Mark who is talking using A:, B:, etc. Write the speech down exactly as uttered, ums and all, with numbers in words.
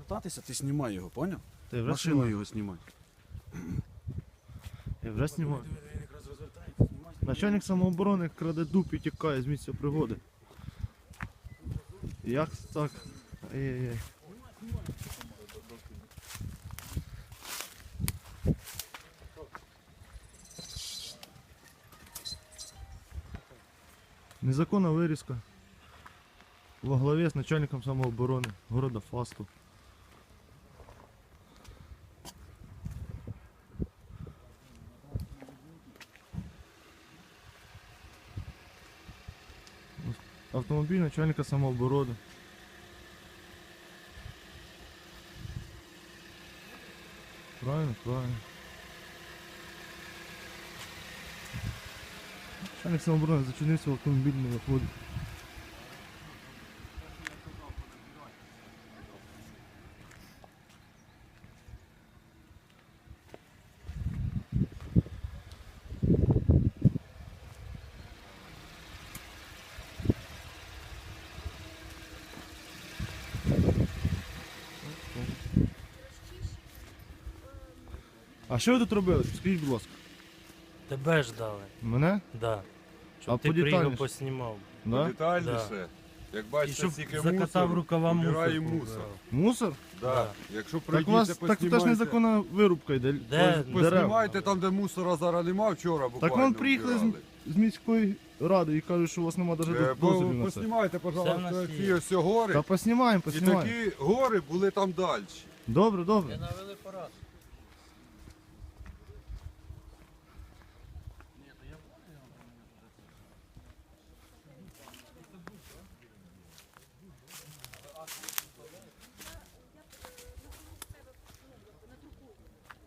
A: кататися, ти знімай його, поняв?
B: Ти вже
A: Машину
B: знімав?
A: його знімай.
B: Я вже знімав.
A: Він якраз розвертається, знімай.
B: Начальник самооборони краде дуб і тікає з місця пригоди. Як так? Ай-яй-яй. Незаконна вирізка во главі з начальником самооборони города Фасту. Автомобіль начальника самооборони. Правильно, правильно. Начальник самооборони зачинився в автомобільному ході. А що ви тут робили? Скажіть, будь ласка.
C: Тебе ждали,
B: Мене?
C: да. Щоб
B: А
C: ти приїхав,
B: подетальніше?
C: поснімав.
B: Да?
D: Детальніше. Як
C: І
D: бачите,
C: щоб
D: стільки
C: закатав
D: мусор,
C: рукава мусор.
D: убирає мусор.
B: Мусор?
D: Да.
C: Да.
D: Якщо
B: Так у вас
D: прийдете,
B: так теж
D: поснімайте.
B: незаконна вирубка йде.
C: Де?
B: Дерев.
D: Поснімайте там, де мусора зараз нема, вчора буквально
B: Так вон приїхали
D: вбирали.
B: з, з міської ради і кажуть, що у вас нема навіть
D: Е, по-
B: дозволів на це.
D: Поснімайте,
C: Все в
D: пожалуйста,
C: нас
D: ці
C: є.
D: ось гори.
B: Та поснімаємо,
D: І
B: поснімаємо.
D: такі гори були там далі.
B: Добре, добре.
C: навели порядок.